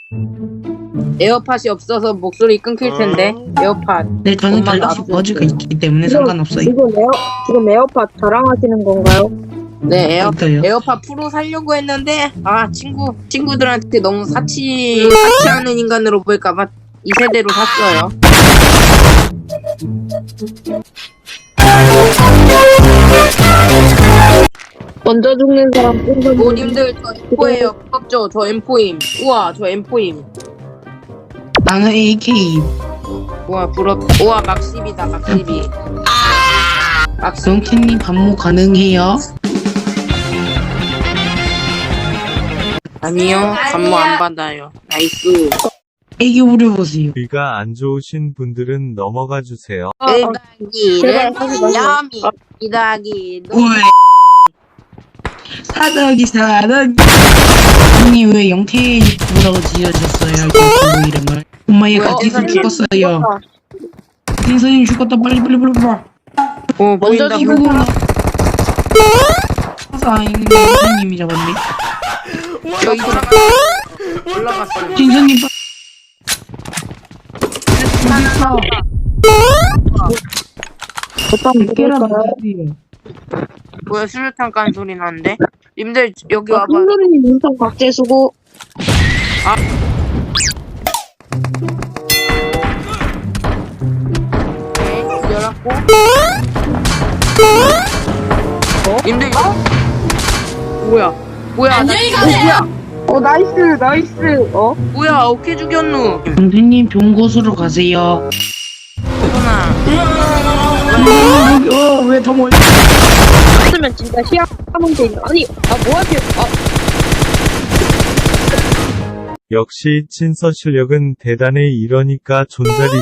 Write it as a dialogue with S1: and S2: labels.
S1: 에어팟이 없어서 목소리 끊길 텐데. 에어팟.
S2: 네, 저는
S1: 엄마가
S2: 갤럭시
S1: 앞에
S2: 버즈가
S1: 있어요.
S2: 있기 때문에 상관없어요.
S3: 지금 에어팟 자랑하시는 건가요?
S1: 네,
S2: 있어요.
S1: 에어팟 프로 살려고 했는데, 친구들한테 너무 사치하는 인간으로 보일까봐 이 세대로 샀어요.
S3: 먼저 죽는 사람
S1: 모님들, 저 M4예요. 부럽죠? 저 M4임. 우와, 저 M4임.
S2: 나는 AK.
S1: 우와, 우와, 막십이다, 막십이. 막십.
S2: 롱캔님 반모 가능해요?
S1: 아니요, 감모 안 받아요. 나이스.
S2: 애교 부려보세요.
S4: 귀가 안 좋으신 분들은 넘어가 주세요.
S1: 이다기를
S3: 제발, 하지 마세요.
S1: 야미. 이다기.
S2: 왜? 사덕이. 언니 왜 영태구라고 지어졌어요? 그 이름을. 엄마 얘
S1: 뭐야,
S2: 같이서
S1: 진선님
S2: 죽었어요. 진선님 죽었다. 빨리.
S1: 오,
S3: 먼저
S1: 보인다.
S3: 죽은 사람
S2: 아닌데 진선님이 잡았네.
S1: 여기 올라갔어요.
S2: 진선님
S3: 어떤
S2: 깨라면
S3: 무게일까요?
S1: 뭐야, 수류탄 깐 소리 나는데? 님들, 여기 와봐.
S3: 흰소리님 인성 박제수고
S1: 네, 열었고. 님들, 뭐야, 안녕히 가세요!
S3: 나이스
S1: 뭐야, 어떻게 죽였누?
S2: 영태님 좋은 곳으로 가세요.
S1: 소나.
S2: 왜더 멀리?
S3: 했으면 진짜 희한한 게 있네. 아니 뭐하지?
S4: 역시 친서 실력은 대단해. 이러니까 존잘이